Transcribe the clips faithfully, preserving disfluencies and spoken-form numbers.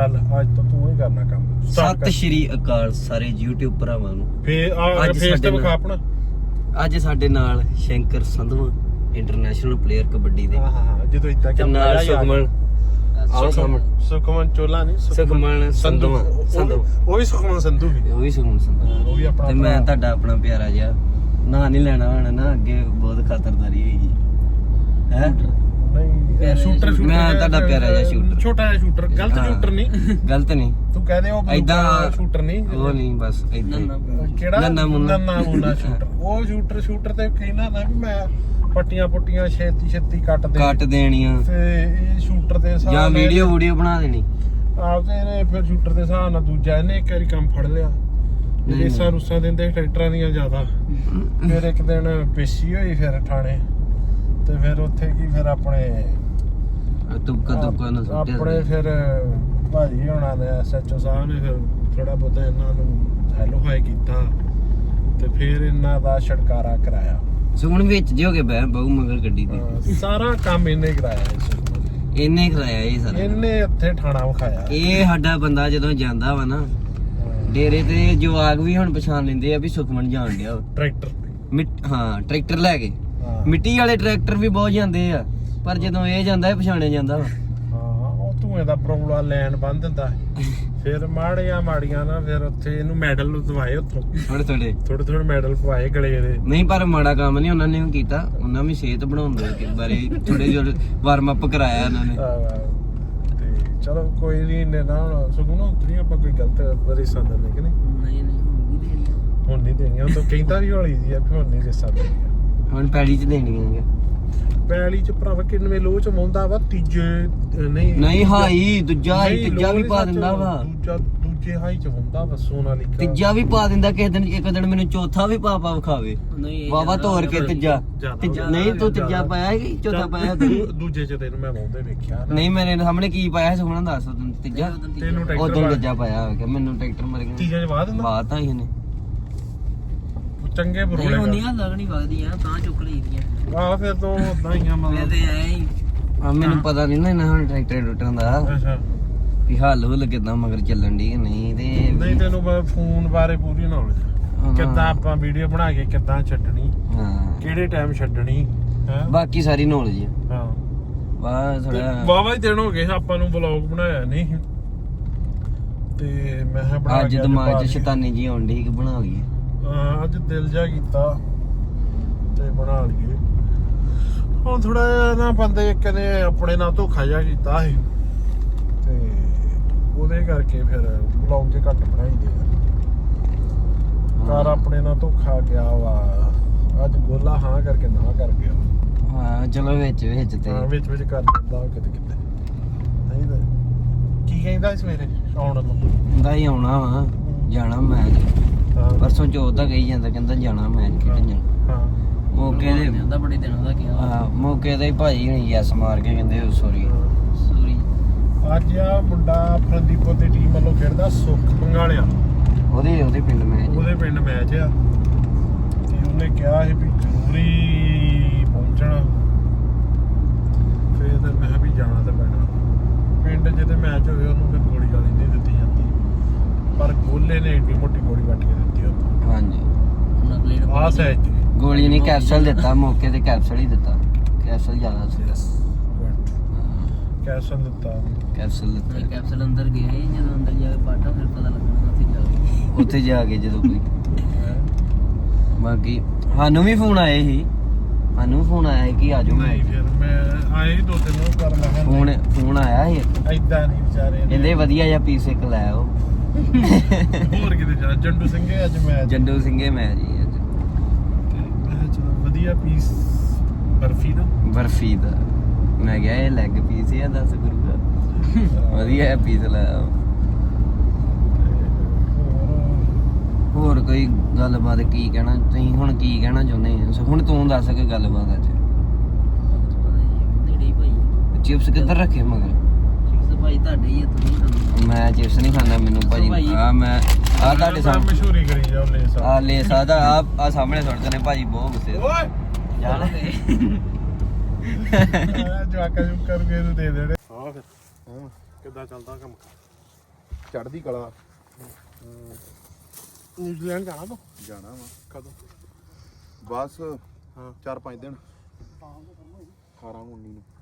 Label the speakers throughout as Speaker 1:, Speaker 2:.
Speaker 1: ਚੱਲ ਅੱਜ ਤੋਂ ਤੂੰ ਹੀ ਕਰਨਾ ਕੰਮ।
Speaker 2: ਸਤਿ ਸ਼੍ਰੀ ਅਕਾਲ ਸਾਰੇ YouTube ਭਰਾਵਾਂ ਨੂੰ।
Speaker 1: ਫੇਰ ਆ ਫੇਸ ਤੇ ਵਿਖਾ ਆਪਣਾ।
Speaker 2: ਅੱਜ ਸਾਡੇ ਨਾਲ ਸ਼ੰਕਰ ਸੰਧਵਾ ਇੰਟਰਨੈਸ਼ਨਲ ਪਲੇਅਰ ਕਬੱਡੀ ਦੇ।
Speaker 1: ਹਾਂ ਹਾਂ ਜਦੋਂ ਇਦਾਂ
Speaker 2: ਤੇ ਨਾਲ ਸੁਖਮਨ ਆਹ ਸਾਹਮਣੇ
Speaker 1: ਸੁਖਮਨ ਚੋਲਾ ਨਹੀਂ
Speaker 2: ਸੁਖਮਨ ਸੰਧਵਾ ਸੰਧਵਾ
Speaker 1: ਉਹ ਵੀ ਸੁਖਮਨ ਸੰਧੂ ਵੀ
Speaker 2: ਉਹ ਵੀ ਸੁਖਮਨ ਸੰਧਵਾ
Speaker 1: ਉਹ ਵੀ ਆਪਣਾ।
Speaker 2: ਤੇ ਮੈਂ ਤੁਹਾਡਾ ਆਪਣਾ ਪਿਆਰਾ ਜਿਹਾ ਨਾਂ ਨਹੀਂ ਲੈਣਾ ਹੁਣ ਨਾ, ਅੱਗੇ ਬਹੁਤ ਖਤਰਦਾਰੀ ਹੋਈ ਹੈ।
Speaker 1: ਨਹੀਂ ਸ਼ੂਟਰ ਸ਼ੂਟਰ
Speaker 2: ਮੈਂ ਤੁਹਾਡਾ ਪਿਆਰਾ ਜਿਹਾ ਸ਼ੂਟਰ,
Speaker 1: ਛੋਟਾ ਜਿਹਾ ਸ਼ੂਟਰ। ਗਲਤ ਸ਼ੂਟਰ ਨਹੀਂ,
Speaker 2: ਗਲਤ ਨਹੀਂ
Speaker 1: ਤੂੰ ਕਹਦੇ ਉਹ
Speaker 2: ਏਦਾਂ
Speaker 1: ਸ਼ੂਟਰ ਨਹੀਂ,
Speaker 2: ਉਹ ਨਹੀਂ ਬਸ ਏਦਾਂ
Speaker 1: ਕਿਹੜਾ
Speaker 2: ਨੰਨਾ ਮੁੰਨਾ
Speaker 1: ਨੰਨਾ ਮੁੰਨਾ ਸ਼ੂਟਰ। ਉਹ ਸ਼ੂਟਰ ਸ਼ੂਟਰ ਤੇ ਕਹਿੰਦਾ ਨਾ ਵੀ ਮੈਂ ਪੱਟੀਆਂ ਪੁੱਟੀਆਂ ਛੇਤੀ ਛੇਤੀ ਕੱਟ ਦੇ
Speaker 2: ਕੱਟ ਦੇਣੀਆਂ
Speaker 1: ਤੇ ਇਹ ਸ਼ੂਟਰ ਦੇ ਹਿਸਾਬ
Speaker 2: ਜਾਂ
Speaker 1: ਨਾਲ
Speaker 2: ਵੀਡੀਓ ਵੀਡੀਓ ਬਣਾ ਦੇਣੀ।
Speaker 1: ਆਪ ਤੇ ਇਹਨੇ ਫਿਰ ਸ਼ੂਟਰ ਦੇ ਹਿਸਾਬ ਨਾਲ ਦੂਜਾ ਇਹਨੇ ਇੱਕ ਵਾਰੀ ਕੰਮ ਫੜ ਲਿਆ। ਰੇਸਾਂ ਰੂਸਾਂ ਦਿੰਦੇ ਟਰੈਕਟਰਾਂ ਦੀਆਂ ਜ਼ਿਆਦਾ। ਫਿਰ ਇੱਕ ਦਿਨ ਪੇਸ਼ੀ ਹੋਈ ਫਿਰ ਥਾਣੇ ਤੇ ਫਿਰ ਉੱਥੇ ਕੀ ਫਿਰ ਆਪਣੇ
Speaker 2: ਤੁਪਕਾ ਤੁਪਕਾ ਨਾ ਸੁੱਟਿਆ
Speaker 1: ਆਪਣੇ ਫਿਰ ਭਾਜੀ ਹੋਣਾ ਨੇ ਐਸਐਚਓ ਸਾਹਿਬ ਨੇ ਫਿਰ ਥੋੜਾ ਬਹੁਤਾ ਇਹਨਾਂ ਨੂੰ ਹੈਲੋ ਹਾਈ ਕੀਤਾ ਤੇ ਫਿਰ ਇਹਨਾਂ ਦਾ ਛਡਕਾਰਾ ਕਰਾਇਆ।
Speaker 2: ਸੁਣ ਵਿੱਚ ਜੇ ਹੋ ਕੇ ਬਹਿ ਬਹੁ ਮਗਰ ਗੱਡੀ ਦੀ
Speaker 1: ਹਾਂ, ਸਾਰਾ ਕੰਮ ਇਹਨੇ ਕਰਾਇਆ ਇਸ
Speaker 2: ਇਹਨੇ ਕਰਾਇਆ ਇਹ ਸਾਰਾ।
Speaker 1: ਇਹਨੇ ਉੱਥੇ ਥਾਣਾ ਵਿਖਾਇਆ।
Speaker 2: ਇਹ ਸਾਡਾ ਬੰਦਾ ਜਦੋਂ ਜਾਂਦਾ ਵਾ ਨਾ ਡੇਰੇ ਤੇ ਜਵਾਗ ਵੀ ਹੁਣ ਪਛਾਣ ਲੈਂਦੇ ਆ ਵੀ ਸੁਖਮਨ ਜਾਣ ਡਿਆ
Speaker 1: ਟਰੈਕਟਰ।
Speaker 2: ਹਾਂ ਟਰੈਕਟਰ ਲੈ ਕੇ।
Speaker 1: ਹਾਂ
Speaker 2: ਮਿੱਟੀ ਵਾਲੇ ਟਰੈਕਟਰ ਵੀ ਬਹੁਤ ਜਾਂਦੇ ਆ ਪਰ ਜਦੋਂ ਇਹ ਜਾਂਦਾ ਇਹ ਪਛਾਣਿਆ ਜਾਂਦਾ ਵਾ।
Speaker 1: ਹਾਂ ਉਹ ਧੂਏ ਦਾ ਪ੍ਰੋਬਲਾ ਲੈਣ ਬੰਨ ਦਿੰਦਾ। ਫਿਰ ਮਾੜੀਆਂ ਮਾੜੀਆਂ ਨਾ ਫਿਰ ਉੱਥੇ ਇਹਨੂੰ ਮੈਡਲ ਦਵਾਏ ਉੱਥੋਂ
Speaker 2: ਥੋੜੇ ਥੋੜੇ
Speaker 1: ਥੋੜੇ ਥੋੜੇ ਮੈਡਲ ਪਵਾਏ ਗਲੇ ਦੇ।
Speaker 2: ਨਹੀਂ ਪਰ ਮਾੜਾ ਕੰਮ ਨਹੀਂ ਉਹਨਾਂ ਨੇ ਵੀ ਕੀਤਾ, ਉਹਨਾਂ ਵੀ ਸਿਹਤ ਬਣਾਉਣ ਦੇ ਬਾਰੇ ਥੋੜੇ ਜਿਹੇ ਵਾਰਮ ਅਪ ਕਰਾਇਆ ਉਹਨਾਂ ਨੇ।
Speaker 1: ਤੇ ਚਲੋ ਕੋਈ ਨਹੀਂ ਨੇ ਨਾ ਸੁਣੋ ਉਤਰੀ ਆਪਾਂ ਕੋਈ ਗਲਤ ਰੇਸਾਂ ਦਿੰਦੇ ਕਿ ਨਹੀਂ।
Speaker 2: ਨਹੀਂ ਨਹੀਂ
Speaker 1: ਹੁਣ ਨਹੀਂ ਦੇਣੀਆਂ। ਉਹ ਤਾਂ ਕਹਿੰਦਾ ਵੀ ਹੌਲੀ ਦੀ ਆ ਵੀ ਹੁਣ ਨਹੀਂ ਰੇਸਾਂ ਦੇਣੀਆਂ।
Speaker 2: ਹੁਣ ਪੈੜੀ ਚ ਦੇਣੀਆਂ
Speaker 1: ਪੈਲੀ ਚ ਭਰਾਵਾ ਕਿੰਨਵੇਂ ਲੋਹ ਚ ਮੌਂਦਾ ਵਾ ਤੀਜੇ ਨਹੀਂ
Speaker 2: ਨਹੀਂ ਹਾਈ ਦੂਜਾ ਹਾਈ ਤੀਜਾ ਵੀ ਪਾ ਦਿੰਦਾ ਵਾ।
Speaker 1: ਦੂਜਾ ਦੂਜੇ ਹਾਈ ਚ ਹੁੰਦਾ ਵਾ ਸੋਨਾਲੀਕਾ।
Speaker 2: ਤੀਜਾ ਵੀ ਪਾ ਦਿੰਦਾ ਕਿਸੇ ਦਿਨ, ਇੱਕ ਦਿਨ ਮੈਨੂੰ ਚੌਥਾ ਵੀ ਪਾ ਪਾ ਵਿਖਾਵੇ ਵਾਵਾ ਤੋੜ ਕੇ ਤੀਜਾ। ਤੀਜਾ ਨਹੀਂ ਤੂੰ ਤੀਜਾ ਪਾਇਆ ਕਿ ਚੌਥਾ ਪਾਇਆ ਤੂੰ?
Speaker 1: ਦੂਜੇ ਚ ਤੈਨੂੰ ਮੈਂ ਮੌਂਦੇ ਵੇਖਿਆ ਨਾ।
Speaker 2: ਨਹੀਂ ਮੇਰੇ ਸਾਹਮਣੇ ਕੀ ਪਾਇਆ ਸੁਖਣਾ ਦੱਸ ਤੂੰ। ਤੀਜਾ
Speaker 1: ਤੈਨੂੰ
Speaker 2: ਉਹ
Speaker 1: ਟਰੈਕਟਰ
Speaker 2: ਤੀਜਾ ਪਾਇਆ ਹੋਇਆ ਮੈਨੂੰ ਟਰੈਕਟਰ ਮਰ ਗਿਆ।
Speaker 1: ਤੀਜੇ ਚ ਬਾਅਦ ਹੁੰਦਾ
Speaker 2: ਬਾਤ ਤਾਂ ਇਹਨੇ
Speaker 1: ਚੰਗੇ ਬਰੋਲੇ
Speaker 3: ਹੁੰਦੀਆਂ ਲੱਗਣੀ ਵਗਦੀ ਆ ਤਾਂ ਚੁੱਕ ਲਈਦੀਆਂ।
Speaker 1: ਆਹ ਫਿਰ ਤੋਂ ਉਦਾਂ ਹੀ ਆ
Speaker 3: ਮੈਂ
Speaker 1: ਮਤਲਬ।
Speaker 3: ਤੇ ਐ ਹੀ
Speaker 2: ਆ ਮੈਨੂੰ ਪਤਾ ਨਹੀਂ ਨਾ ਇਹਨਾਂ ਹੁਣ ਟਰੈਕਟਰ ਟੁੱਟਣ ਦਾ
Speaker 1: ਅੱਛਾ
Speaker 2: ਵੀ ਹੱਲ ਹੁੱਲ ਕਿੱਦਾਂ ਮਗਰ ਚੱਲਣ ਦੀ ਕਿ ਨਹੀਂ। ਤੇ
Speaker 1: ਨਹੀਂ ਤੈਨੂੰ ਫੋਨ ਬਾਰੇ ਪੂਰੀ ਨੌਲੇਜ ਕਿੱਦਾਂ ਆਪਾਂ ਵੀਡੀਓ ਬਣਾ ਕੇ ਕਿੱਦਾਂ ਛੱਡਣੀ,
Speaker 2: ਹਾਂ
Speaker 1: ਕਿਹੜੇ ਟਾਈਮ ਛੱਡਣੀ ਹੈ
Speaker 2: ਬਾਕੀ ਸਾਰੀ ਨੌਲੇਜ
Speaker 1: ਹਾਂ।
Speaker 2: ਵਾਹ ਥੋੜਾ
Speaker 1: ਵਾਵਾ ਹੀ ਦਿਨ ਹੋ ਗਏ ਆਪਾਂ ਨੂੰ ਵਲੌਗ ਬਣਾਇਆ ਨਹੀਂ ਤੇ ਮੈਂ ਕਿਹਾ ਬਣਾ
Speaker 2: ਅੱਜ
Speaker 1: ਕੇ
Speaker 2: ਦਿਮਾਗ
Speaker 1: ਪਾ
Speaker 2: 'ਚ
Speaker 1: ਦਈਏ।
Speaker 2: ਸ਼ੈਤਾਨੀ ਜੀ ਆਉਂਦੀ ਕਿ ਬਣਾ ਲਈਏ।
Speaker 1: ਹਾਂ ਅੱਜ ਦਿਲ ਜਾ ਕੀਤਾ ਤੇ ਬਣਾ ਲਈਏ। ਹੁਣ ਥੋੜਾ ਜਿਹਾ ਨਾ ਬੰਦੇ ਇੱਕ ਨੇ ਆਪਣੇ ਨਾਲ ਧੋਖਾ ਜਿਹਾ ਕੀਤਾ ਸੀ ਤੇ ਉਹਦੇ ਕਰਕੇ ਫਿਰ ਵਲੌਗ ਜੇ ਘੱਟ ਬਣਾਈਦੇ ਘਰ ਆਪਣੇ ਨਾਲ ਧੋਖਾ ਗਿਆ ਵਾ। ਅੱਜ ਗੋਲਾ ਹਾਂ ਕਰਕੇ ਨਾ ਕਰ ਗਿਆ।
Speaker 2: ਹਾਂ ਚਲੋ ਵਿੱਚ ਵਿੱਚ ਤੇ
Speaker 1: ਹਾਂ ਵਿੱਚ ਵਿੱਚ ਕਰ ਦਿੰਦਾ ਕਿਤੇ ਕਿਤੇ ਨਹੀਂ ਤਾਂ ਕੀ ਕਹਿੰਦਾ ਸਵੇਰੇ ਆਉਣ ਨੂੰ
Speaker 2: ਦਾ ਹੀ ਆਉਣਾ ਵਾ ਜਾਣਾ ਮੈਚ।
Speaker 1: ਹਾਂ
Speaker 2: ਪਰਸੋਂ ਚੌਥ ਦਾ ਕਹੀ ਜਾਂਦਾ ਕਹਿੰਦਾ ਜਾਣਾ ਮੈਚ ਖੇਡਣ ਜਾਣਾ।
Speaker 1: ਹਾਂ
Speaker 2: ਮੌਕੇ ਦੇ
Speaker 3: ਜਾਂਦਾ ਬੜੇ ਦਿਨਾਂ ਦਾ ਕਿਹਾ
Speaker 2: ਹਾਂ ਮੌਕੇ ਦੇ ਭਾਜੀ ਹੁਣੀ ਯੈਸ ਮਾਰ ਕੇ ਕਹਿੰਦੇ ਸੌਰੀ
Speaker 3: ਸੂਰੀ।
Speaker 1: ਅੱਜ ਆ ਮੁੰਡਾ ਫਰੰਦੀਪੁਰ ਦੀ ਟੀਮ ਵੱਲੋਂ ਖੇਡਦਾ ਸੁੱਖ ਪੰਗਾਲਿਆ।
Speaker 2: ਉਹਦੇ ਉਹਦੇ ਪਿੰਡ ਮੈਚ।
Speaker 1: ਉਹਦੇ ਪਿੰਡ ਮੈਚ ਆ ਤੇ ਉਹਨੇ ਕਿਹਾ ਸੀ ਵੀ ਜ਼ਰੂਰੀ ਪਹੁੰਚਣਾ। ਫਿਰ ਤੇ ਮੈਂ ਵੀ ਜਾਣਾ ਤੇ ਪੈਣਾ। ਪਿੰਡ ਜਿਹਦੇ ਮੈਚ ਹੋਵੇ ਉਹਨੂੰ ਫਿਰ ਗੋਲੀ ਗਾਲੀ ਨਹੀਂ ਦਿੱਤੀ ਜਾਂਦੀ ਪਰ ਗੋਲੇ ਨੇ ਏਡੀ ਮੋਟੀ ਗੋਲੀ ਵੱਟ ਕੇ ਦਿੱਤੀ ਉਹਨੂੰ।
Speaker 2: ਹਾਂਜੀ
Speaker 3: ਉਹਨਾਂ ਪਲੇਟ
Speaker 1: ਆਹ ਸਾਈਜ਼ ਤੇ
Speaker 2: ਗੋਲੀ ਨਹੀਂ ਕੈਪਸੂਲ ਦਿੱਤਾ ਮੌਕੇ ਤੇ ਕੈਪਸੂਲ ਹੀ ਦਿੱਤਾ। ਕੈਪਸੂਲ ਜ਼ਿਆਦਾ ਸੀ
Speaker 1: ਕੈਸਨ ਦਿੱਤਾ
Speaker 2: ਕੈਪਸੂਲ ਦਿੱਤਾ।
Speaker 3: ਕੈਪਸੂਲ ਅੰਦਰ ਗਏ ਜਦੋਂ ਅੰਦਰ ਜਾ ਕੇ ਪਾਟਾ ਫਿਰ ਪਤਾ ਲੱਗਣਾ ਉੱਥੇ ਜਾ ਕੇ।
Speaker 2: ਉੱਥੇ ਜਾ ਕੇ ਜਦੋਂ ਕੋਈ ਬਾਕੀ ਸਾਨੂੰ ਵੀ ਫੋਨ ਆਏ ਸੀ ਸਾਨੂੰ ਫੋਨ ਆਇਆ ਸੀ ਕਿ ਆ ਜਾਓ।
Speaker 1: ਨਹੀਂ ਫਿਰ ਮੈਂ ਆਏ ਦੋ ਤਿੰਨ ਉਹ ਕਰ ਲਾਂਗਾ।
Speaker 2: ਫੋਨ ਫੋਨ ਆਇਆ ਸੀ
Speaker 1: ਏਦਾਂ ਨਹੀਂ ਵਿਚਾਰੇ ਨੇ।
Speaker 2: ਕਹਿੰਦੇ ਵਧੀਆ ਜਿਹਾ ਪੀਸ ਇੱਕ ਲੈ ਆਓ।
Speaker 1: ਹੋਰ ਕਿਤੇ ਜਾ ਜੰਡੂ ਸਿੰਘੇ ਅੱਜ ਮੈਚ
Speaker 2: ਜੰਡੂ ਸਿੰਘੇ ਮੈਚ ਜੀ ਅੱਜ।
Speaker 1: ਮੈਂ ਚਲੋ ਵਧੀਆ ਪੀਸ ਬਰਫੀ ਦਾ
Speaker 2: ਬਰਫੀ ਦਾ ਮੈਂ ਕਿਹਾ ਇਹ ਲੈਗ ਪੀਸ ਆ ਦੱਸ ਗੁਰੂ ਦਾ ਵਧੀਆ ਹੈ ਪੀਸ ਲੈ ਆਓ। ਹੋਰ ਕੋਈ ਗੱਲਬਾਤ ਕੀ ਕਹਿਣਾ ਤੁਸੀਂ ਹੁਣ ਕੀ ਕਹਿਣਾ ਚਾਹੁੰਦੇ ਆ ਹੁਣ ਤੂੰ ਦੱਸ ਕੇ ਗੱਲਬਾਤ ਅੱਜ।
Speaker 3: ਨੇੜੇ ਹੀ ਭਾਈ
Speaker 2: ਚਿਪਸ ਕਿੱਧਰ ਰੱਖੇ ਮਗਰ?
Speaker 3: ਚਿਪਸ ਭਾਈ ਤੁਹਾਡੇ ਹੀ ਆ ਤੁਸੀਂ ਖਾਂਦੇ।
Speaker 2: ਮੈਂ ਚਿਪਸ ਨਹੀਂ ਖਾਂਦਾ ਮੈਨੂੰ ਭਾਜੀ ਆ ਮੈਂ ਆ ਤੁਹਾਡੇ ਸਾਹਮਣੇ
Speaker 1: ਮਸ਼ਹੂਰੀ ਕਰੀ ਜਾਓ ਲੈ ਸਾ
Speaker 2: ਆ ਲੈ ਸਾਦਾ ਆ ਆ ਸਾਹਮਣੇ ਸੁੱਟਦੇ ਨੇ ਭਾਜੀ ਬਹੁਤ ਗੁੱਸੇ
Speaker 1: ਓਏ
Speaker 2: ਜਾਣ
Speaker 1: ਜਵਾਕਾ ਜੁਕ ਕਰਕੇ ਇਹਨੂੰ ਦੇ ਦੇਣੇ। ਹਾਂ ਫਿਰ ਹਾਂ ਕਿੱਦਾਂ ਚੱਲਦਾ ਕੰਮ?
Speaker 4: ਚੜ੍ਹਦੀ ਕਲਾ।
Speaker 1: ਨਿਊਜ਼ੀਲੈਂਡ ਜਾਣਾ ਤੂੰ?
Speaker 4: ਜਾਣਾ ਵਾ
Speaker 1: ਕਦੋਂ?
Speaker 4: ਬਸ
Speaker 1: ਹਾਂ
Speaker 4: ਚਾਰ ਪੰਜ ਦਿਨ ਅਠਾਰਾਂ ਉੱਨੀ ਨੂੰ।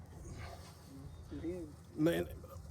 Speaker 1: ਨਹੀਂ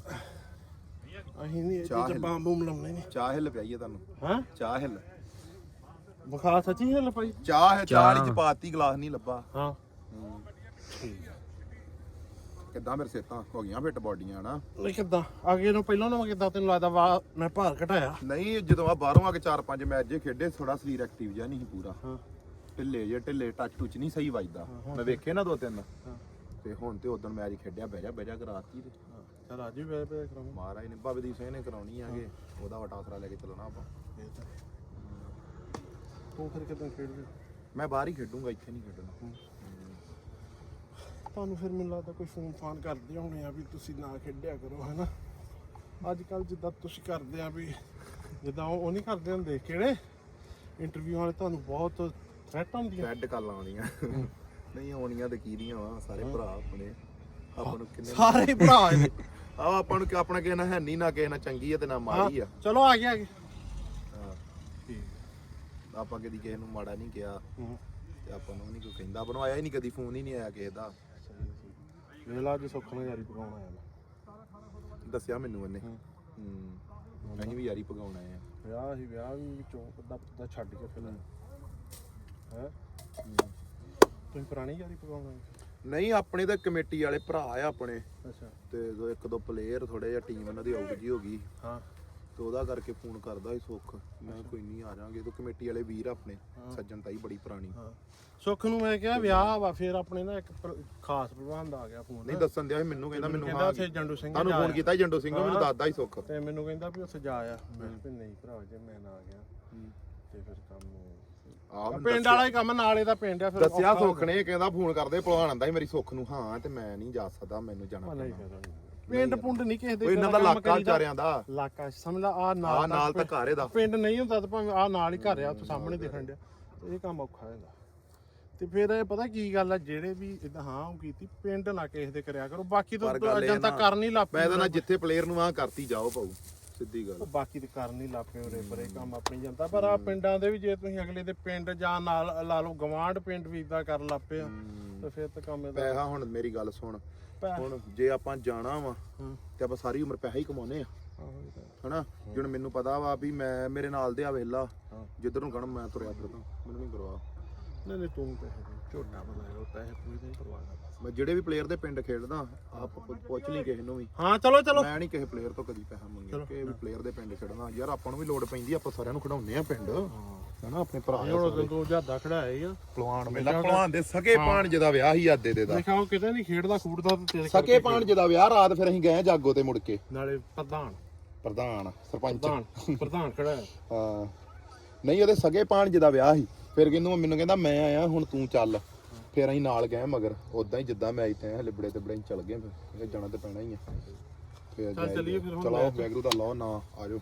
Speaker 1: ਅਸੀਂ ਨਹੀਂ
Speaker 4: ਚਾਹ
Speaker 1: ਇੱਥੇ
Speaker 4: ਹਿੱਲ।
Speaker 1: ਬੰਬ ਬੂਮ ਲਾਉਣੇ ਨੇ।
Speaker 4: ਚਾਹ ਹਿੱਲ ਪਿਆਈਏ ਤੁਹਾਨੂੰ।
Speaker 1: ਹਾਂ
Speaker 4: ਚਾਹ ਹਿੱਲ
Speaker 1: ਬੁਖਾਰ ਸੱਚੀ ਹਿੱਲ ਪਈ?
Speaker 4: ਚਾਹ ਹੈ, ਚਾਹ ਵਾਲੀ ਚ ਪਾਤੀ ਗਲਾਸ ਨਹੀਂ ਲੱਭਾ।
Speaker 1: ਹਾਂ ਠੀਕ ਹੈ।
Speaker 4: ਕਿੱਦਾਂ ਮੇਰੇ ਸਿਹਤਾਂ ਹੋ ਗਈਆਂ ਫਿੱਟ ਬਾਡੀਆਂ ਨਾ?
Speaker 1: ਨਹੀਂ ਕਿੱਦਾਂ ਅੱਗੇ ਨੂੰ ਪਹਿਲਾਂ ਨਾ ਕਿੱਦਾਂ ਤੈਨੂੰ ਲੱਗਦਾ ਵਾ ਮੈਂ ਭਾਰ ਘਟਾਇਆ?
Speaker 4: ਨਹੀਂ ਜਦੋਂ ਆ ਬਾਹਰੋਂ ਆ ਕੇ ਚਾਰ ਪੰਜ ਮੈਚ ਜੇ ਖੇਡੇ ਥੋੜਾ ਸਰੀਰ ਐਕਟਿਵ ਜਿਹਾ ਨਹੀਂ ਸੀ ਪੂਰਾ।
Speaker 1: ਹਾਂ
Speaker 4: ਢਿੱਲੇ ਜੇ ਢਿੱਲੇ ਟੱਚ ਟੁੱਚ ਨਹੀਂ ਸਹੀ ਵੱਜਦਾ। ਮੈਂ ਵੇਖੇ ਨਾ ਦੋ ਤਿੰਨ ਤੇ ਹੁਣ ਤੇ ਉਦੋਂ ਮੈਚ ਖੇਡਿਆ ਬਹਿ ਜਾ ਬਹਿ ਜਾ ਕਰਾਤੀ ਤੇ
Speaker 1: ਚਲ ਅੱਜ ਵੀ ਵੇ ਵੇ ਕਰਾਂਗੇ।
Speaker 4: ਮਹਾਰਾਜ ਨੇ ਬਾਬੇ ਸਿੰਘ ਨੇ ਕਰਾਉਣੀ ਆਗੇ ਉਹਦਾ ਵਟਾ ਆਸਰਾ ਲੈ ਕੇ ਚੱਲਣਾ ਆਪਾਂ।
Speaker 1: ਤੂੰ ਫਿਰ ਕਿੱਦਾਂ ਖੇਡਦੇ?
Speaker 4: ਮੈਂ ਬਾਹਰ ਹੀ ਖੇਡੂੰਗਾ, ਇੱਥੇ ਨਹੀਂ ਖੇਡਣਾ।
Speaker 1: ਤੁਹਾਨੂੰ ਫਿਰ ਮੈਨੂੰ ਲੱਗਦਾ ਕੋਈ ਫੋਨ ਫਾਨ ਕਰਦੇ ਹੋਣੇ ਆ ਵੀ ਤੁਸੀਂ ਨਾ ਖੇਡਿਆ ਕਰੋ ਹੈਨਾ। ਅੱਜ ਕੱਲ ਜਿੱਦਾਂ ਤੁਸੀਂ ਕਰਦੇ ਆ ਵੀ ਜਿੱਦਾਂ ਉਹ ਉਹ ਨਹੀਂ ਕਰਦੇ ਹੁੰਦੇ ਕਿਹੜੇ ਇੰਟਰਵਿਊ ਵਾਲੇ ਤੁਹਾਨੂੰ ਬਹੁਤ ਥ੍ਰੈਟ ਹੁੰਦੀਆਂ।
Speaker 4: ਰੈੱਡ ਕਾਲਾਂ ਆਉਣੀਆਂ ਨਹੀਂ ਆਉਣੀਆਂ ਤੇ ਕੀ ਦੀਆਂ ਵਾ ਸਾਰੇ ਭਰਾ ਆਪਣੇ। ਆਪਾਂ ਨੂੰ ਕਿੰਨੇ
Speaker 1: ਸਾਰੇ ਭਰਾ ਨੇ।
Speaker 4: ਆ ਆਪਾਂ ਨੂੰ ਕਿ ਆਪਣਾ ਕਿਸੇ ਨਾਲ ਹੈ ਨਹੀਂ ਨਾ ਕਿਸੇ ਨਾਲ ਚੰਗੀ ਆ ਤੇ ਨਾ ਮਾੜੀ ਆ।
Speaker 1: ਚਲੋ ਆ ਗਿਆ ਆ ਗਿਆ
Speaker 4: ਹਾਂ
Speaker 1: ਠੀਕ।
Speaker 4: ਆਪਾਂ ਕਦੀ ਕਿਸੇ ਨੂੰ ਮਾੜਾ ਨਹੀਂ ਕਿਹਾ
Speaker 1: ਹੂੰ
Speaker 4: ਤੇ ਆਪਾਂ ਨੂੰ ਨਹੀਂ ਕੋਈ ਕਹਿੰਦਾ। ਆਪਾਂ ਨੂੰ ਆਇਆ ਹੀ ਨਹੀਂ ਕਦੀ, ਫੋਨ ਹੀ ਨਹੀਂ ਆਇਆ ਕਿਸੇ ਦਾ।
Speaker 1: ਵੇਲਾ ਅੱਜ ਸੁੱਖ ਨਾਲ ਯਾਰੀ ਪਕਾਉਣ ਆਇਆ ਮੈਂ।
Speaker 4: ਦੱਸਿਆ ਮੈਨੂੰ ਉਹਨੇ।
Speaker 1: ਹੂੰ
Speaker 4: ਹੂੰ ਅਸੀਂ ਵੀ ਯਾਰੀ ਪਕਾਉਣ ਆਏ ਆ।
Speaker 1: ਵਿਆਹ ਹੀ ਵਿਆਹ ਵੀ ਵਿੱਚੋਂ ਅੱਧਾ ਪੱਤਾ ਛੱਡ ਕੇ ਫਿਰ ਹੈ ਤੁਸੀਂ ਪੁਰਾਣੀ ਯਾਰੀ ਪਕਾਉਣ ਆਏ?
Speaker 4: ਨਹੀਂ ਆਪਣੇ ਤਾਂ ਕਮੇਟੀ ਵਾਲੇ ਭਰਾ ਆ ਆਪਣੇ
Speaker 1: ਅੱਛਾ
Speaker 4: ਤੇ ਦੋ ਇੱਕ ਦੋ ਪਲੇਅਰ ਥੋੜੇ ਜਿਹਾ ਟੀਮ ਉਹਨਾਂ ਦੀ ਆਊਟ ਜੀ ਹੋ ਗਈ
Speaker 1: ਹਾਂ
Speaker 4: ਤੇ ਉਹਦਾ ਕਰਕੇ ਫੋਨ ਕਰਦਾ ਸੀ ਸੁੱਖ। ਮੈਂ ਕੋਈ ਨਹੀਂ ਆ ਜਾਾਂਗੇ ਤੇ ਕਮੇਟੀ ਵਾਲੇ ਵੀਰ ਆਪਣੇ ਸੱਜਣ ਤਾਈ ਬੜੀ ਪੁਰਾਣੀ।
Speaker 1: ਹਾਂ ਸੁੱਖ ਨੂੰ ਮੈਂ ਕਿਹਾ ਵਿਆਹ ਵਾ ਫਿਰ ਆਪਣੇ ਨਾ ਇੱਕ ਪ- ਖਾਸ ਪ੍ਰਬੰਧ ਆ ਗਿਆ ਫੋਨ
Speaker 4: ਨਹੀਂ ਦੱਸਣ ਦਿਆ ਸੀ ਮੈਨੂੰ, ਕਹਿੰਦਾ ਮੈਨੂੰ
Speaker 1: ਕਹਿੰਦਾ
Speaker 4: ਹਾਂ
Speaker 1: ਉੱਥੇ ਜੰਡੂ ਸਿੰਘ
Speaker 4: ਤੁਹਾਨੂੰ
Speaker 1: ਜਾ
Speaker 4: ਫੋਨ
Speaker 1: ਆਇਆ।
Speaker 4: ਕੀਤਾ ਸੀ ਜੰਡੋ ਸਿੰਘ, ਮੈਨੂੰ ਦੱਸਦਾ ਸੀ ਸੁੱਖ।
Speaker 1: ਤੇ ਮੈਨੂੰ ਕਹਿੰਦਾ ਵੀ ਉੱਥੇ ਜਾ ਆ। ਮੈਂ ਕਿਹਾ ਵੀ ਨਹੀਂ ਭਰਾ ਜੇ ਮੈਂ ਨਾ ਗਿਆ ਤੇ ਫਿਰ ਕੰਮ
Speaker 4: ਆਹ ਮੈਨੂੰ
Speaker 1: ਪਿੰਡ ਵਾਲਾ ਹੀ ਕੰਮ ਨਾਲੇ ਦਾ ਪਿੰਡ ਆ ਫਿਰ
Speaker 4: ਦੱਸਿਆ
Speaker 1: ਔਖਾ
Speaker 4: ਸੁੱਖ ਨੇ, ਕਹਿੰਦਾ ਫੋਨ ਕਰਦੇ ਭਲਵਾਨ ਆਂਦਾ ਸੀ ਮੇਰੀ ਸੁੱਖ ਨੂੰ। ਹਾਂ ਤੇ ਮੈਂ ਨਹੀਂ ਜਾ ਸਕਦਾ, ਮੈਨੂੰ ਜਾਣਾ
Speaker 1: ਹੋ- ਨਹੀਂ
Speaker 4: ਪੈਣਾ।
Speaker 1: ਫਿਰ ਪਿੰਡ ਪੁੰਡ ਨਹੀਂ ਕਿਸੇ ਦੇ
Speaker 4: ਉਹ ਇਹਨਾਂ ਦਾ
Speaker 1: ਕੰਮ
Speaker 4: ਇਲਾਕਾ
Speaker 1: ਕਰੀਦਾ।
Speaker 4: ਵਿਚਾਰਿਆਂ ਦਾ
Speaker 1: ਇਲਾਕਾ ਸਮਝ ਲਾ ਆ
Speaker 4: ਆ
Speaker 1: ਨਾਲ
Speaker 4: ਨਾਲ ਤਾਂ ਘਰ ਇਹਦਾ।
Speaker 1: ਪਿੰਡ ਨਹੀਂ ਹੁੰਦਾ ਤਾਂ ਭਾਵੇਂ ਆ ਨਾਲ ਹੀ ਘਰ ਆ ਉੱਥੇ ਸਾਹਮਣੇ ਦਿਖਣ ਡਿਆ ਤੇ ਇਹ ਕੰਮ ਔਖਾ ਹੁੰਦਾ। ਤੇ ਫਿਰ ਇਹ ਪਤਾ ਕੀ ਗੱਲ ਆ ਜਿਹੜੇ ਵੀ ਇਦਾਂ ਹਾਂ ਉਹ ਕੀਤੀ ਪਿੰਡ ਨਾ ਕਿਸੇ ਦੇ ਕਰਿਆ ਕਰੋ। ਬਾਕੀ ਤਾਂ
Speaker 4: ਪਰ ਗੱਲ ਇਹ
Speaker 1: ਜਨਤਾ
Speaker 4: ਨਾ,
Speaker 1: ਕਰ ਨਹੀਂ ਲੱਗ
Speaker 4: ਮੈਂ ਤਾਂ ਨਾ ਜਿੱਥੇ ਪਲੇਅਰ ਨੂੰ ਆ ਕਰਤੀ ਜਾਓ ਪਾਉ ਸਿੱਧੀ ਗੱਲ।
Speaker 1: ਉਹ ਬਾਕੀ ਤੇ ਕਰ ਨਹੀਂ ਲੱਪੇ ਉਰੇ ਪਰੇ ਕੰਮ ਆਪਣੀ ਜਨਤਾ। ਪਰ ਆ ਪਿੰਡਾਂ ਦੇ ਵੀ ਜੇ ਤੁਸੀਂ ਅਗਲੇ ਦੇ ਪਿੰਡ ਜਾਂ ਨਾਲ ਲਾ ਲਓ ਗਵਾਂਢ ਪਿੰਡ ਵੀ ਇਦਾਂ ਕਰਨ ਲੱਪੇ ਆ ਤੇ ਫਿਰ ਤਾਂ ਕੰਮ ਇਹਦਾ
Speaker 4: ਪੈਸਾ ਹੁਣ ਮੇਰੀ ਗੱਲ ਸੁਣ,
Speaker 1: ਪੈ-
Speaker 4: ਹੁਣ ਜੇ ਆਪਾਂ ਜਾਣਾ ਵਾ
Speaker 1: ਹਾਂ
Speaker 4: ਤੇ ਆਪਾਂ ਸਾਰੀ ਉਮਰ ਪੈਸਾ ਹੀ ਕਮਾਉਨੇ ਆ
Speaker 1: ਆਹੋ ਇਹ ਤਾਂ।
Speaker 4: ਹਨਾ। ਜਿਵੇਂ ਮੈਨੂੰ ਪਤਾ ਵਾ ਵੀ ਮੈਂ ਮੇਰੇ ਨਾਲ ਦੇ ਆ ਵੇਲਾ
Speaker 1: ਹਾਂ।
Speaker 4: ਜਿੱਧਰ ਨੂੰ ਕਹਣ ਮੈਂ ਤੁਰਿਆ ਫਿਰਦਾ, ਮੈਨੂੰ ਨਹੀਂ ਪਰਵਾਹ।
Speaker 1: ਨਹੀਂ ਨਹੀਂ ਤੂੰ ਪੈਸੇ ਦੇ ਝੋਟਾ ਬਣਾਇਆ ਪੈਸੇ ਪੂਰੇ ਨਹੀਂ ਪਰਵਾਹ ਕਰਦਾ।
Speaker 4: ਮੈਂ ਜਿਹੜੇ ਵੀ ਪਲੇਅਰ ਦੇ ਪਿੰਡ ਖੇਡਦਾ ਆਪ ਪੁੱਛ ਲਈ ਕਿਸੇ ਨੂੰ ਵੀ।
Speaker 1: ਹਾਂ ਚਲੋ ਚਲੋ
Speaker 4: ਮੈਂ ਨਹੀਂ ਕਿਸੇ ਪਲੇਅਰ ਤੋਂ ਕਦੀ ਪੈਸਾ ਮੰਗਿਆ ਕਿ ਵੀ ਪਲੇਅਰ ਦੇ ਪਿੰਡ ਖੇਡਣਾ। ਯਾਰ ਆਪਾਂ ਨੂੰ ਵੀ ਲੋੜ ਪੈਂਦੀ, ਆਪਾਂ ਸਾਰਿਆਂ ਨੂੰ ਖਿਡਾਉਂਦੇ ਆ ਪਿੰਡ ਹਨਾ। ਆਪਣੇ ਭਰਾ ਆ
Speaker 1: ਹੁਣ ਦੋ ਜਿਆਦਾ ਖੜਾਇਆ ਹੀ ਆ
Speaker 4: ਪਹਿਲਵਾਨ ਮੇਲਾ ਪਹਿਲਵਾਨ ਦੇ ਸਕੇ ਭਾਣਜੇ ਦਾ ਵਿਆਹ ਹੀ ਆਦੇ ਦੇ ਦਾ।
Speaker 1: ਦੇਖਾਓ ਕਿਤੇ ਨਹੀਂ ਖੇਡਦਾ ਖੂਡਦਾ ਤੇ ਤੇਰੇ
Speaker 4: ਸਕੇ ਭਾਣਜੇ ਦਾ ਵਿਆਹ ਰਾਤ ਫਿਰ ਅਸੀਂ ਗਏ ਜਾਗੋ ਤੇ ਮੁੜ ਕੇ।
Speaker 1: ਨਾਲੇ ਪ੍ਰਧਾਨ
Speaker 4: ਪ੍ਰਧਾਨ ਸਰਪੰਚ
Speaker 1: ਪ੍ਰਧਾਨ ਪ੍ਰਧਾਨ ਖੜਾਇਆ।
Speaker 4: ਹਾਂ ਨਹੀਂ ਉਹਦੇ ਸਗੇ ਭਾਣਜੇ ਦਾ ਵਿਆਹ ਸੀ। ਫਿਰ ਕਹਿੰਦਾ ਮੈਨੂੰ ਕਹਿੰਦਾ ਮੈਂ ਆਇਆ ਹੁਣ ਤੂੰ ਚੱਲ। ਫਿਰ ਅਸੀਂ ਨਾਲ ਗਏ ਮਗਰ ਉਦਾਂ ਹੀ ਜਿੱਦਾਂ ਮੈਚ ਤੇ ਹਲੇ ਬੜੇ ਤੇ ਬੜੇ ਚੱਲ ਗਏ। ਫਿਰ ਜਾਣਾ ਤੇ ਪੈਣਾ ਹੀ ਆ। ਫਿਰ
Speaker 1: ਚੱਲ ਚੱਲੀਏ ਫਿਰ ਹੁਣ
Speaker 4: ਚਲੋ ਵੈਗਰੂ ਦਾ ਲਾਓ ਨਾ ਆਜੋ।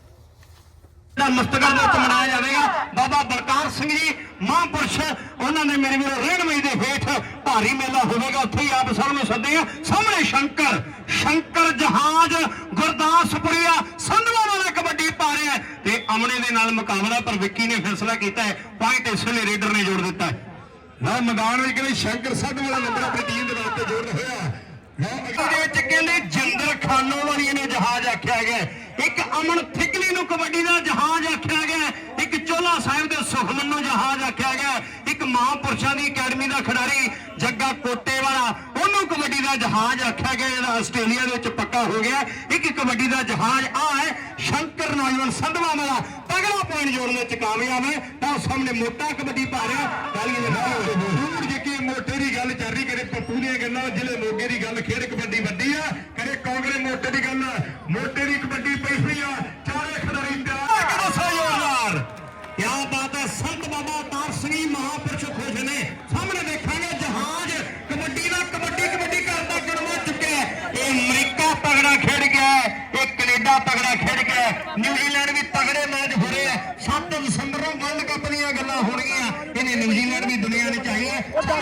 Speaker 5: ਦਾ ਮਸਤਕਾਂ ਦੇ ਵਿੱਚ ਮਨਾਇਆ ਜਾਵੇਗਾ। ਬਾਬਾ ਬਲਕਾਰ ਸਿੰਘ ਜੀ ਮਹਾਂਪੁਰਸ਼ ਉਹਨਾਂ ਦੇ ਮੇਰੇ ਵੀਰੋ ਰਹਿਨਮਈ ਦੇ ਹੇਠ ਭਾਰੀ ਮੇਲਾ ਹੋਵੇਗਾ। ਉੱਥੇ ਹੀ ਆਪ ਸਭ ਨੂੰ ਸੱਦੇ ਆ। ਸਾਹਮਣੇ ਸ਼ੰਕਰ ਸ਼ੰਕਰ ਜਹਾਜ਼ ਗੁਰਦਾਸਪੁਰੀਆ ਸੰਧਵਾ ਵਾਲਾ ਕਬੱਡੀ ਪਾ ਰਿਹਾ ਤੇ ਅਮਨੇ ਦੇ ਨਾਲ ਮੁਕਾਬਲਾ। ਪਰ ਵਿੱਕੀ ਨੇ ਫੈਸਲਾ ਕੀਤਾ ਹੈ ਪੁਆਇੰਟ ਇਸ ਵੇਲੇ ਰੇਡਰ ਨੇ ਜੋੜ ਦਿੱਤਾ ਹੈ। ਨਾ ਮੈਦਾਨ ਵਿੱਚ ਕਹਿੰਦੇ ਸ਼ੰਕਰ ਸੰਧਵਾ ਵਾਲਾ ਨੰਬਰ ਆਪਣੀ ਟੀਮ ਦੇ ਵਾਸਤੇ ਜੋੜ ਰਿਹਾ ਇਹਦੇ ਵਿੱਚ ਕਹਿੰਦੇ ਜਿੰਦਰ ਖਾਨੋ ਵਾਲੀ ਨੇ ਜਹਾਜ਼ ਆਖਿਆ ਗਿਆ। ਇੱਕ ਅਮਨ ਥਿਕਲੀ ਨੂੰ ਕਬੱਡੀ ਦਾ ਜਹਾਜ਼ ਆਖਿਆ ਗਿਆ। ਇੱਕ ਚੋਲਾ ਸਾਹਿਬ ਦੇ ਸੁਖਮਨ ਨੂੰ ਜਹਾਜ਼ ਆਖਿਆ ਗਿਆ। ਇੱਕ ਮਹਾਂਪੁਰਸ਼ਾਂ ਦੀ ਅਕੈਡਮੀ ਦਾ ਖਿਡਾਰੀ ਜੱਗਾ ਕੋਟੇ ਵਾਲਾ ਉਹਨੂੰ ਕਬੱਡੀ ਦਾ ਜਹਾਜ਼ ਆਖਿਆ ਗਿਆ ਜਿਹੜਾ ਆਸਟ੍ਰੇਲੀਆ ਦੇ ਵਿੱਚ ਪੱਕਾ ਹੋ ਗਿਆ। ਇੱਕ ਕਬੱਡੀ ਦਾ ਜਹਾਜ਼ ਆ ਹੈ ਸ਼ੰਕਰ ਨੌਜਵਾਨ ਸੰਧਵਾ ਵਾਲਾ ਤਗੜਾ ਪੁਆਇੰਟ ਜੋੜਨ ਵਿੱਚ ਕਾਮਯਾਬ ਹੈ। ਤਾਂ ਸਾਹਮਣੇ ਮੋਟਾ ਕਬੱਡੀ ਪਾ ਰਿਹਾ ਗਾਲੀਆਂ ਦੇ ਨਾਲ ਜਿੱਕੇ ਮੋਟੇ ਦੀ ਗੱਲ ਚੱਲ ਰਹੀ ਕਰੇ ਪੱਪੂ ਦੀਆਂ ਗੱਲਾਂ ਜ਼ਿਲ੍ਹੇ ਮੋਗੇ ਦੀ ਗੱਲ ਖੇਡ ਕਬੱਡੀ ਵੱਡੀ ਆ ਕਰੇ ਕਾਂਗੜੇ ਮੋਟੇ ਦੀ ਗੱਲ ਮੋਟੇ ਦੀ ਕਬੱਡੀ ਪਈ ਹੋਈ ਆ ਚਾਰੇ ਖਿਡਾਰੀ ਪਿਆਰ ਕਿਹੜਾ ਸਹਿਯੋਗਦਾਰ ਕਿਆ ਬਾਤ ਹੈ। ਸੰਤ ਬਾਬਾ ਅਵਤਾਰ ਸਿੰਘ ਮਹਾਂਪੁਰਸ਼ ਖੁਸ਼ ਨੇ। ਸਾਹਮਣੇ ਦੇਖਾਂਗੇ ਜਹਾਜ਼ ਕਬੱਡੀ ਦਾ ਕਬੱਡੀ ਕਬੱਡੀ ਕਰਦਾ ਗੜਵਾ ਚੁੱਕਿਆ। ਇਹ ਅਮਰੀਕਾ ਤਗੜਾ ਖੇਡ ਗਿਆ, ਇਹ ਕੈਨੇਡਾ ਤਗੜਾ ਖੇਡ ਗਿਆ, ਨਿਊਜ਼ੀਲੈਂਡ ਵੀ ਤਗੜੇ ਮੈਚ ਹੋ ਰਹੇ ਆ। ਸੱਤ ਦਸੰਬਰ ਨੂੰ ਵਰਲਡ ਕੱਪ ਦੀਆਂ ਗੱਲਾਂ ਹੋਣਗੀਆਂ। ਇਹਨੇ ਨਿਊਜ਼ੀਲੈਂਡ ਵੀ ਦੁਨੀਆ ਨੇ ਚਾਹੀਏ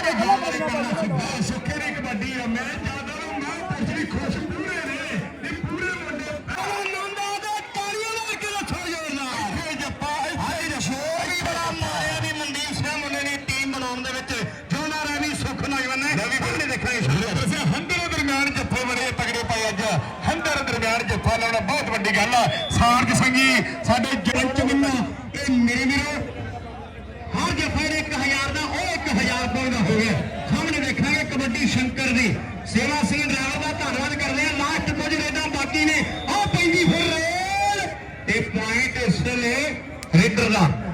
Speaker 5: ਸੁੱਖੇ ਦੀ ਕਬੱਡੀ ਆ। ਮੈਂ ਜਿਆਦਾ ਨੂੰ ਮਹਾਂਪੁਰਸ਼ ਵੀ ਖੁਸ਼ ਪੂਰੇ ਨੇ ਇਹ ਪੂਰੇ ਮੁੰਡੇ ਸ਼ਾਨਦਾਰ ਜੱਫਾ ਲਾਉਣਾ ਬਹੁਤ ਵੱਡੀ ਗੱਲ ਆ। ਸਾਰਜ ਸਿੰਘ ਜੀ ਸਾਡੇ ਜਰੰਚ ਵੱਲੋਂ ਇਹ ਮੇਰੇ ਵੀਰੋ ਹਰ ਜੱਫੇ ਦੇ ਇੱਕ ਹਜ਼ਾਰ ਦਾ ਉਹ ਇੱਕ ਹਜ਼ਾਰ ਰੁਪਏ ਦਾ ਹੋ ਗਿਆ। ਸਾਹਮਣੇ ਦੇਖਾਂਗੇ ਕਬੱਡੀ ਸ਼ੰਕਰ ਦੀ ਸੇਵਾ ਸਿੰਘ ਡਰਾਈਵਰ ਦਾ ਧੰਨਵਾਦ ਕਰਦੇ ਆ। ਲਾਸਟ ਕੁਝ ਰੇਡਾਂ ਬਾਕੀ ਨੇ, ਆਹ ਪੈਂਦੀ ਫਿਰ ਰੇਲ ਤੇ ਪੁਆਇੰਟ ਇਸ ਵੇਲੇ ਰੇਡਰ ਦਾ